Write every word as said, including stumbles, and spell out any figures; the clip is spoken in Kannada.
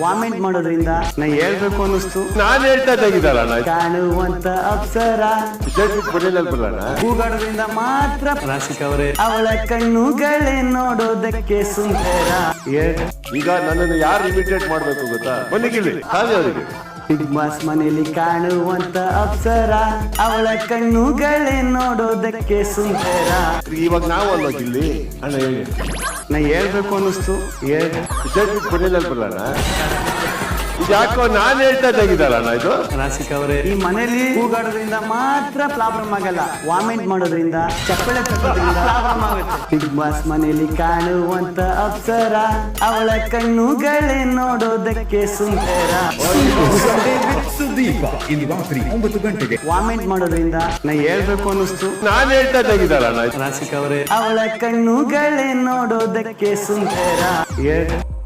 ವಾಮಿಟ್ ಮಾಡೋದ್ರಿಂದ ನಾ ಹೇಳ್ಬೇಕು ಅನ್ನಿಸ್ತು. ನಾನ್ ಹೇಳ್ತಾ ತೆಗಿದಲ್ಲ ಕಾಣುವಂತ ಅಪ್ಸರ ಕೂಗಾಡೋದ್ರಿಂದ ಮಾತ್ರ ರಾಶಿಕವರೇ ಅವಳ ಕಣ್ಣುಗಳೇ ನೋಡೋದಕ್ಕೆ ಸುಂದರ. ಈಗ ನನ್ನನ್ನು ಯಾರು ಇಮಿಟೇಟ್ ಮಾಡ್ಬೇಕು ಗೊತ್ತಾ? ಬನ್ನಿಗಿಲ್ಲಿ ಹಾಗೆ ಅವರಿಗೆ ಬಿಗ್ ಬಾಸ್ ಮನೆಯಲ್ಲಿ ಕಾಣುವಂತ ಅಪ್ಸರ ಅವಳ ಕಣ್ಣುಗಳೇ ನೋಡೋದಕ್ಕೆ ಸುಂದರ. ಇವಾಗ ನಾವು ಅಲ್ವಾ ಇಲ್ಲಿ ಅಣ್ಣ ಹೇಳಿ ನಾ ಹೇಳ್ಬೇಕು ಅನ್ನಿಸ್ತು. ಬರಲ್ಲ ಯಾಕೋ ನಾನ್ ಹೇಳ್ತಾ ತೆಗಿದಲ್ಲ ಇದು ರಾಶಿಕವರೇ ಈ ಮನೆಯಲ್ಲಿ ಕೂಗಾಡೋದ್ರಿಂದ ಮಾತ್ರ ಪ್ರಾಬ್ಲಮ್ ಆಗಲ್ಲ, ವಾಮಿಟ್ ಮಾಡೋದ್ರಿಂದ ಚಪ್ಪಳೆ ತಗೋದ್ರಿಂದ ಪ್ರಾಬ್ಲಮ್ ಆಗುತ್ತೆ. ಬಿಗ್ ಬಾಸ್ ಮನೆಯಲ್ಲಿ ಕಾಣುವಂತ ಅಪ್ಸರ ಅವಳ ಕಣ್ಣುಗಳೇ ನೋಡೋದಕ್ಕೆ ಸುಂದರ. ಸುದೀಪ ಇಂದು ರಾತ್ರಿ ಒಂಬತ್ತು ಗಂಟೆಗೆ. ವಾಮಿಟ್ ಮಾಡೋದ್ರಿಂದ ನಾ ಹೇಳ್ಬೇಕು ಅನ್ನಿಸ್ತು. ನಾನ್ ಹೇಳ್ತಾ ತೆಗಿದಲ್ಲ ರಾಶಿಕವರೇ ಅವಳ ಕಣ್ಣುಗಳೇ ನೋಡೋದಕ್ಕೆ ಸುಂದರ.